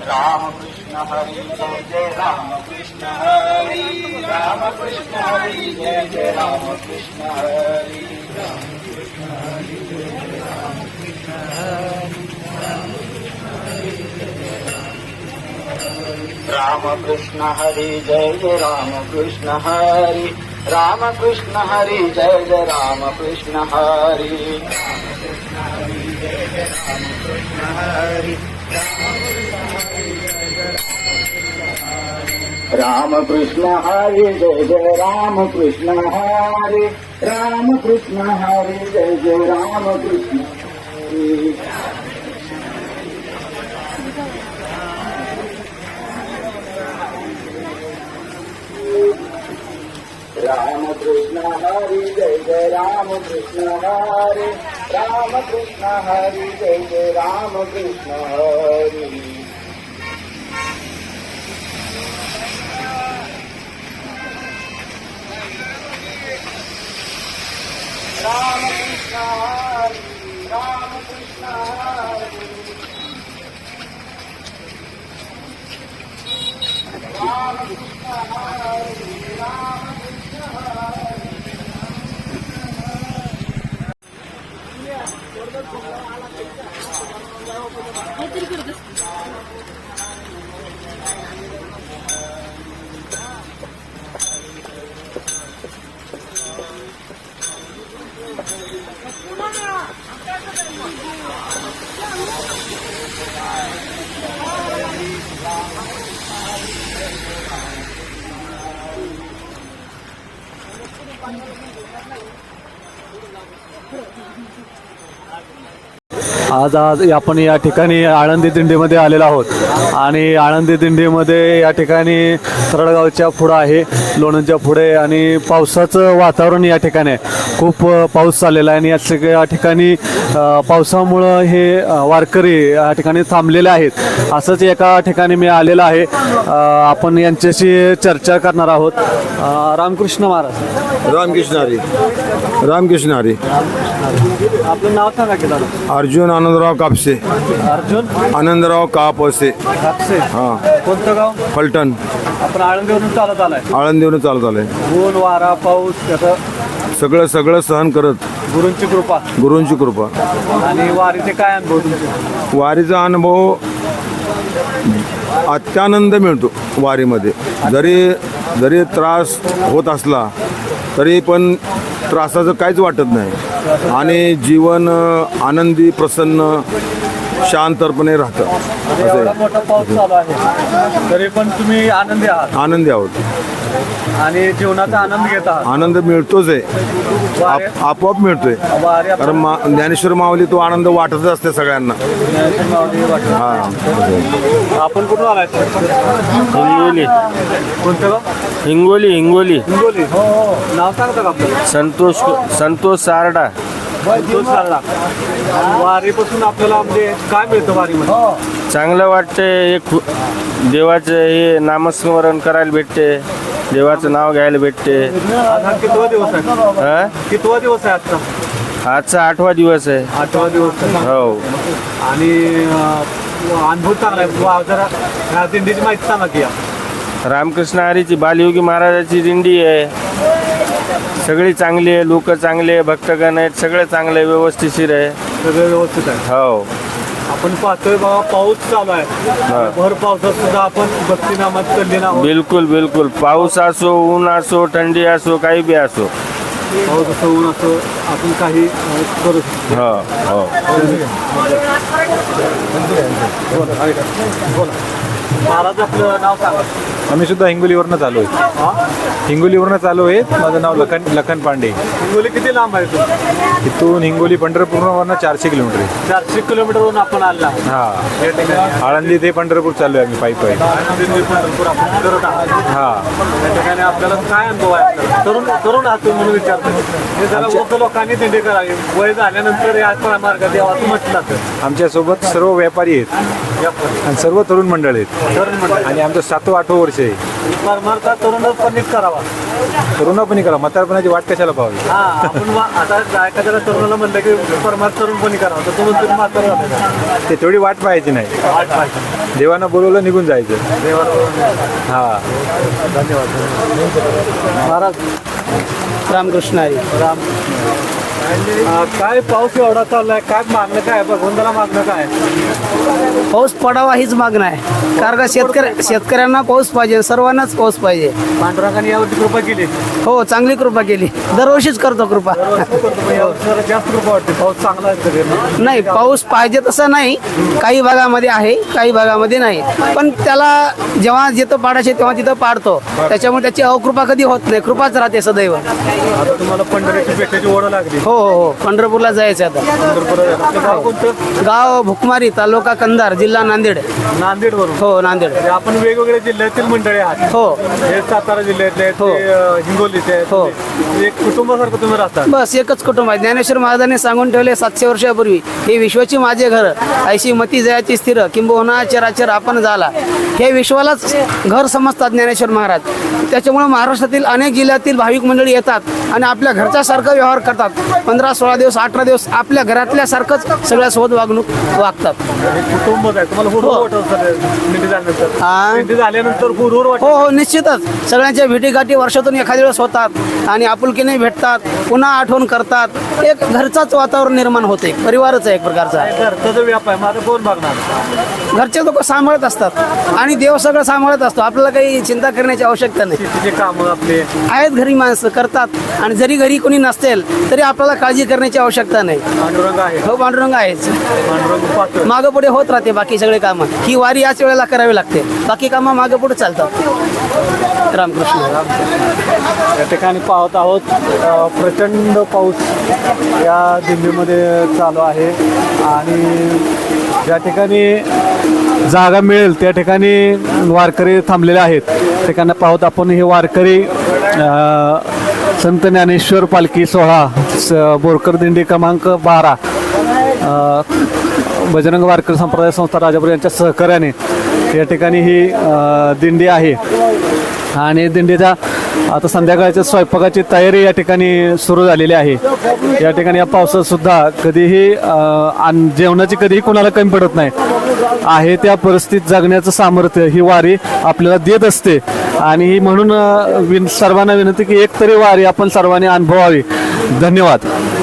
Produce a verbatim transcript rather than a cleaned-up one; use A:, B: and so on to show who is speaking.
A: राम कृष्ण हरी जय जय राम कृष्ण हरी राम कृष्ण हरी जय जय राम कृष्ण हरी राम कृष्ण हरी जय जय राम कृष्ण हरी राम कृष्ण हरी जय जय राम कृष्ण हरी राम कृष्ण हरी जय जय राम कृष्ण हरी राम कृष्ण हरी जय जय राम कृष्ण हरी राम कृष्ण हरी जय जय राम कृष्ण हरी राम कृष्ण हरी जय जय राम कृष्ण हरी राम कृष्ण हरी राम कृष्ण हरी राम कृष्ण हरी राम
B: आज आज आपण या ठिकाणी आळंदी दिंडीमध्ये आलेलो आहोत आणि आळंदी दिंडीमध्ये या ठिकाणी तरडगावच्या पुढं आहे, लोणंदच्या पुढे आणि पावसाचं वातावरण या ठिकाणी आहे. खूप पाऊस चाललेला आहे आणि या सगळ्या ठिकाणी पावसामुळं हे वारकरी या ठिकाणी थांबलेले आहेत. असंच एका ठिकाणी मी आलेलो आहे. आपण यांच्याशी चर्चा करणार आहोत. रामकृष्ण महाराज.
C: रामकृष्ण हरी रामकृष्ण हरी.
B: आपलं नाव सांगा की दादा.
C: अर्जुन आनंदराव कापसे.
B: अर्जुन
C: आनंदराव कापसे.
B: कापसे.
C: हां.
B: कोणतं गाव?
C: फलटण.
B: आपण आळंदीवरून चालत आलाय.
C: आळंदीवरून चालत आलंय.
B: ऊन वारा पाऊस त्याचं
C: सगळं सगळं सहन करत
B: गुरूंची कृपा.
C: गुरूंची कृपा.
B: आणि वारीचे काय अनुभव तुमचे?
C: वारीचा अनुभव अत्यानंद मिळतो वारीमध्ये. जरी जरी त्रास होत असला तरी पण त्रासाचं काहीच वाटत नाही आणि जीवन आनंदी प्रसन्न शांतपणे राहतं.
B: एवढा मोठा पाऊस चालू आहे तरी पण तुम्ही आनंदी आहात
C: आनंदी आहोत
B: आणि जीवनाचा आनंद घेत आहात.
C: आनंद मिळतोच आहे.
B: वारी-
C: आप- आपोआप मिळतोय.
B: वारी आपण-
C: कारण मा ज्ञानेश्वर माऊली तो आनंद वाटतच असते सगळ्यांना. हा.
B: आपण कुठून आलाय?
D: हिंगोली.
B: कोणतं गाव?
D: हिंगोली हिंगोली
B: हिंगोली. हो हो. नाव सांगता का आपलं?
D: संतोष संतोष सारडा.
B: संतोष सारडा. आणि वारीपासून आपल्याला म्हणजे काय मिळतं वारीमध्ये?
D: चांगलं वाटते. एक देवाचं हे नामस्मरण करायला भेटते, देवाचं नाव घ्यायला भेटते.
B: आज हा कितवा दिवस आहे?
D: हा?
B: कितवा दिवस आहे आजचा?
D: आजचा आठवा दिवस आहे.
B: आठवा दिवस आहे.
D: हो.
B: आणि अं, अनुभव चांगला आहे. वा, जरा ह्या दिंडीची माहिती सांगा की या.
D: रामकृष्ण हरीची बालयोगी महाराजाची दिंडी आहे. सगळी चांगली आहे, लोक चांगले आहे, भक्तगण आहेत, सगळे चांगले व्यवस्थितशीर आहे.
B: सगळं व्यवस्थित आहे.
D: हो.
B: आपण पाहतोय बाबा पाऊस चालू आहे. भर पावसात सुद्धा आपण भक्तीनामात चाललेला आहोत.
D: बिलकुल बिलकुल. पाऊस असो, ऊन असो, थंडी असो, काही बी असो.
B: पाऊस असं ऊन असं आपण काही अं, करू शकतो.
D: हो हो.
B: महाराज आपलं नाव सांगा.
E: आम्ही सुद्धा हिंगोलीवरनं चालू आहे.
B: हा?
E: हिंगोलीवरनं चालू आहे. माझं नाव लखन लखन पांडे.
B: हिंगोली किती लांब आहे तुम्ही?
E: इथून हिंगोली पंढरपूरवरनं चारशे किलोमीटर आहे.
B: चारशे किलोमीटरवरून आपण आला.
E: हा.
B: या ठिकाणी
E: आळंदी ते पंढरपूर चालू आहे आम्ही पायी पायी.
B: आनंदी पंढरपूर आपण करत आहात.
E: हा.
B: या ठिकाणी आपल्याला काय अनुभव आहे आपल्याला? तरुण तरुण आहात तुम्ही म्हणून विचारतो. हे जरा मोठं लोकांनी दिंडी करावी. वय झाल्यानंतर या मार्गात यावं असं म्हटलं तर
E: आमच्यासोबत सर्व व्यापारी आहेत
B: या
E: आणि सर्व तरुण मंडळ आहेत. आणि आमचं सातवं आठवं वर्ष आहे.
B: परमार्थ तरुणपणी करावा.
E: तरुणापणी करा, म्हातारपणाची वाट कशाला पाहावी.
B: हा आपण वा- आता एखाद्याला तरुणाला म्हणलं की परमार्थ तरुणपणी करावा तर तो म्हणतो म्हातारा झालेला.
E: ते तेवढी वाट पाहायची नाही.
B: वाट पाहिजे.
E: देवानं बोलवलं निघून जायचं. हा
B: महाराज
F: रामकृष्ण हरी.
B: राम अं, काय पाऊस एवढा चाललाय, काय मागणं काय आहे? भगवंताला मागणं काय आहे?
F: पाऊस पडावा हीच मागणं आहे. कारण का शेतकऱ्या शेतकऱ्यांना पाऊस पाहिजे, सर्वांनाच पाऊस पाहिजे.
B: पांडुरंगाने यावरती कृपा केली.
F: हो, चांगली कृपा केली. दरवर्षीच करतो कृपा.
B: दरवर्षी करतो, पण यावर्षी जरा जास्त कृपा वाटते. पाऊस चांगला आहे सगळे.
F: नाही, पाऊस पाहिजे तसं नाही. काही भागामध्ये आहे, काही भागामध्ये नाही. पण त्याला जेव्हा जिथं पाडायचे तेव्हा तिथं पाडतो. त्याच्यामुळे त्याची अकृपा कधी होत नाही, कृपाच राहते सदैव.
B: आता तुम्हाला पंढरीची पेठाची ओढ लागली.
F: हो हो हो, पंढरपूरला जायचं आता.
B: पंढरपुरात आपलं गाव कोणतं?
F: गाव भुकमारी, तालुका कंधार, जिल्हा नांदेड.
B: नांदेड वरून.
F: हो, नांदेड.
B: आपण वेगवेगळ्या जिल्ह्यातील मंडळी आहात.
F: हो,
B: हे सातारा जिल्ह्यातले आहेत,
F: हो.
B: ते, अं, हिंगोलीचे आहेत.
F: हो.
B: एक कुटुंबासारखं तुम्ही राहता.
F: बस एकच कुटुंब आहे. ज्ञानेश्वर महाराजांनी सांगून ठेवले सातशे वर्षापूर्वी, हे विश्वाची माझे घर, ऐशी मती जयाची स्थिर, किंबहुना चराचर आपण झाला. हे विश्वालाच घर समजतात ज्ञानेश्वर महाराज. त्याच्यामुळे महाराष्ट्रातील अनेक जिल्ह्यातील भाविक मंडळी येतात आणि आपल्या घरच्यासारखं व्यवहार करतात. पंधरा सोळा दिवस अठरा दिवस आपल्या घरातल्यासारखंच सगळ्यासोबत वागणूक वागतात.
B: हे कुटुंबच आहे. तुम्हाला हुरूर वाटत असेल दिंडी झाल्यानंतर.
F: हा.
B: दिंडी झाल्यानंतर हुरूर वाटत.
F: हो हो, निश्चितच. सगळ्यांच्या भेटीगाठी वर्षातून एखाद्या वेळेस होतात आणि आपुलकीने भेटतात, पुन्हा आठवण करतात. एक घरचाच वातावरण निर्माण होते. परिवारच आहे एक प्रकारचा.
B: घरचा जो व्याप आहे माझा कोण बघणार?
F: घरचे लोक सांभाळत असतात आणि देव सगळं सांभाळत असतो. आपल्याला काही चिंता करण्याची आवश्यकता नाही.
B: शेतीचे कामं आपले.
F: आहेत घरी माणसं करतात आणि जरी घरी कोणी नसतील तरी आपल्याला काळजी करण्याची आवश्यकता नाही.
B: पांडुरंग आहे.
F: हो, पांडुरंग आहेच.
B: पांडुरंग पाहतो.
F: मागं पुढे होत राहते बाकी सगळे कामं. ही वारी याच वेळेला करावी लागते, बाकी कामं मागं पुढे चालतात. रामकृष्ण.
B: या ठिकाणी पाहत आहोत अ, प्रचंड पाऊस या दिल्लीमध्ये चालू आहे आणि ज्या ठिकाणी जागा मिळेल त्या ठिकाणी वारकरी थांबलेले आहेत. त्या ठिकाणी पाहत आपण हे वारकरी अ, संत ज्ञानेश्वर पालखी सोहळा स बोरकर दिंडी क्रमांक बारा अ, बजरंग वारकरी संप्रदाय संस्था राजापूर यांच्या सहकार्याने या ठिकाणी ही अ, दिंडी आहे आणि दिंडीच्या आता संध्याकाळच्या स्वयंपाकाची तयारी या ठिकाणी सुरू झालेली आहे. या ठिकाणी या पावसात सुद्धा कधीही अ, अन्न जेवणाची कधीही कोणाला कमी पडत नाही. आहे त्या परिस्थितीत जगण्याचं सामर्थ्य ही वारी आपल्याला देत असते आणि ही म्हणून अ, विन सर्वांना विनंती की एक तरी वारी आपण सर्वांनी अनुभवावी. धन्यवाद.